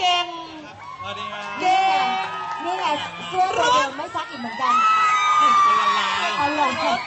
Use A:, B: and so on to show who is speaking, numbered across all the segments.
A: เก่ง
B: สวัสดีครับ
A: เก่ง
C: นี่ไงเสื้อตัวเดิมไม่ซักอีกเหมือนกันอร่อยค่ะ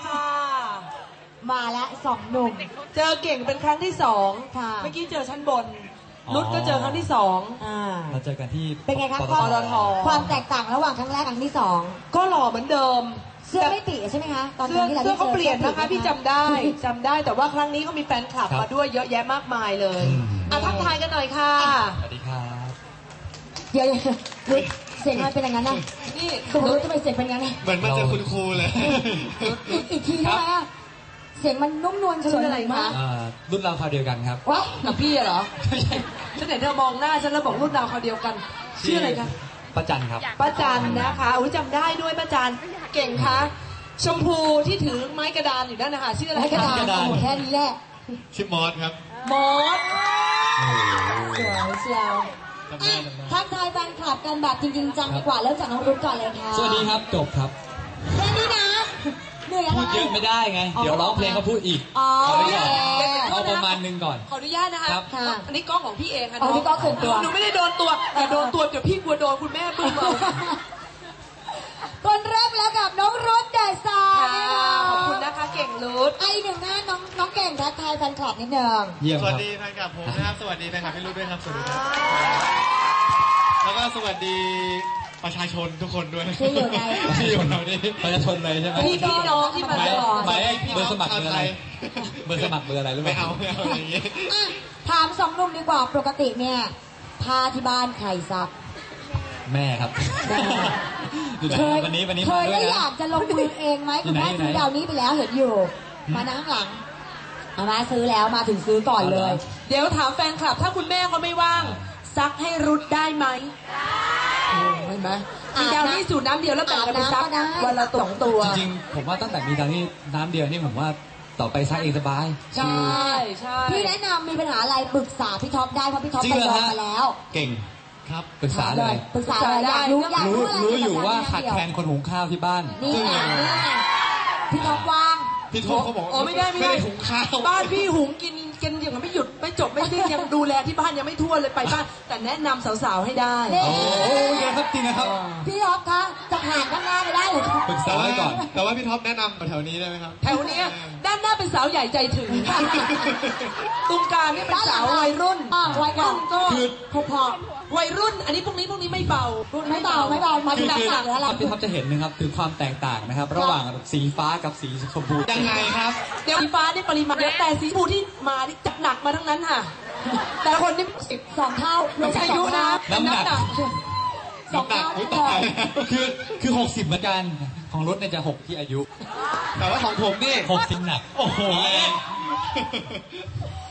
C: มาแล้วสองหนุ่ม
A: เจอเก่งเป็นครั้งที่สองเมื่อกี้เจอชั้นบนนุชก็เจอครั้งที่สอง
B: เราเจอกันที่
C: เป็นไงครับความแตกต่างระหว่างครั้งแรกครั้งที่สอง
A: ก็หล่อเหมือนเดิม
C: เสื้อไม่ปีใช่ไหมคะตอนนี้
A: เสื้อเขาเปลี่ยนนะคะพี่จำได้แต่ว่าครั้งนี้ก็มีแฟนคลับมาด้วยเยอะแยะมากมายเลยทักทายกันหน่อยค่ะ
B: สวัสดีครับ
C: เดี๋ยวเสียงมันเป็นอย่างนั้นนะนี่คุณรู้ทำไมเสียงเป็นอย่างนั้น
B: เหมือนมันจะคุณครูเลย
C: อีกทีได้ไหมเสียงมันนุ่มนวลเฉยอะไรมาก
B: รุ่นเราคราวเดียวกันครับ
A: ว้ากับพี่เหรอฉันเห็นเธอมองหน้าฉันแล้วบอกรุ่นเราคราวเดียวกันชื่ออะไรคะ
B: ป้าจันครับ
A: ป้าจันนะคะอุ้ยจำได้ด้วยป้าจันเก่งคะชมพูที่ถือไม้กระดานอยู่นั่นนะคะชื่ออะไร
C: ไม้กระดานแค่นี้แหละ
B: ชื่อมอสครับ
A: มอส
C: สวยเชียวทักทายแฟนคลับกันแบบจริงๆจังดีกว่าเริ่มจากน้องรุ่นก่อนเลยค่ะ
B: สวัสดีครับจบครับ
C: แค่นี้นะเหนื่อยอะไร
B: พูดเยอะไม่ได้ไงเดี๋ยวร้องเพลงเขาพูดอีกเอาประมาณนึงก่อน
A: ขออนุญาตนะคะอันนี้กล้องของพี่เองค่ะ
C: น้องพี่กล้องส่วนตัว
A: หนูไม่ได้โดนตัวแต่โดนตัวเดี๋ยวพี่กลัวโดนคุณแม่บึ้มเอา
C: คนแรกแล้วกับน้องรุ่นเดอะสตาร์
A: ขอบคุณนะคะเก่งรุ่น
C: ไอหนึ่งหน้าน้องเก่งทักทายแฟนคลับนิดนึง
B: สวัสดีแฟนคลับผมนะครับสวัสดีแฟนคลับพี่รุ่นด้วยครับสวัสดีครับแล้วก็สวัสดีประชาชนทุกคนด้วย
C: ที่อยู่ใน
B: ที่อยู่เรานี่ประชาชนเลยใช่ไหม
A: พี่น้องที่มาตลอด
B: หมายเบอร์สมัครเบอร์อะไรเบอร์สมัครเบอร์อะไรรู้ไหมไม่เอาอย่างนี้
C: ถามสองหนุ่มดีกว่าปกติเนี่ยผ้าที่บ้านใครซัก
B: แม่ครับ
C: เคยได้อยากจะลงมือเองไหมคุณแม่ซื้อดาวนี้ไปแล้วเห็นอยู่มานั่งข้างหลังเอามาซื้อแล้วมาถึงซื้อก่อนเลย
A: เดี๋ยวถามแฟนคลับถ้าคุณแม่เขาไม่ว่างซักให้รุดได้ไหมเห็นไหมมีดาวนี้สูตรน้ำเดียวแล้วแบ่งกันไปซักวันละ2 ตัว
B: จริงๆผมว่าตั้งแต่มีดาวนี้น้ำเดียวนี่ผมว่าต่อไปซักเองสบาย
C: ใช่พี่แนะนำมีปัญหาอะไรปรึกษาพี่ท็อปได้เพราะพี่ท็อปไปลองมาแล้ว
B: เก่งครับปรึกษาเลย
C: อยาก
B: รู้อยู่ว่าขาดแคลนคนหุงข้าวที่บ้าน
C: นี่พี่ท็อปว่าง
B: พี่ท็อปเขาบอก
A: ไม่ได้
B: หุงข้าว
A: บ้านพี่หุงกินอย่างไม่หยุดไม่จบไม่สิ้นยังดูแลที่บ้านยังไม่ทั่วเลยไปบ้านแต่แนะนำสาวๆให้ได้
B: โอ้ยครับจริงนะครับ
C: พี่ท็อปคะจะผ่านด้านหน้าไปได้หรือ
B: ปรึกษาไว้ก่อนแต่ว่าพี่ท็อปแนะนำแถวนี้ได้ไหมครับ
A: แถวนี้ด้านหน้าเป็นสาวใหญ่ใจถึงตรงกลางนี่เป็นสาววัยรุ่น
C: วัยรุ่นก็พอ
A: วัยรุ่นอันนี้พวกนี้ไม่เบา
C: ไม่เบามาดูหนักๆแล้ว
B: พี่ท็อปจะเห็นนะครับถึงความแตกต่างนะครับระหว่างสีฟ้ากับสีชมพูยังไงครับ
A: เดี๋ยวสีฟ้าได้ปริมาณเยอะแต่สีชมพูที่มาที่จัดหนักมาทั้งนั้นค่ะแต่คนนี่
C: 2 เท่า
A: ไม่ใช่อายุนะ
B: น้ำหนัก2 เท่าคือ60เหมือนกันของรถเนี่ยจะ6ที่อายุแต่ว่าของผมนี่60หนักโอ้โห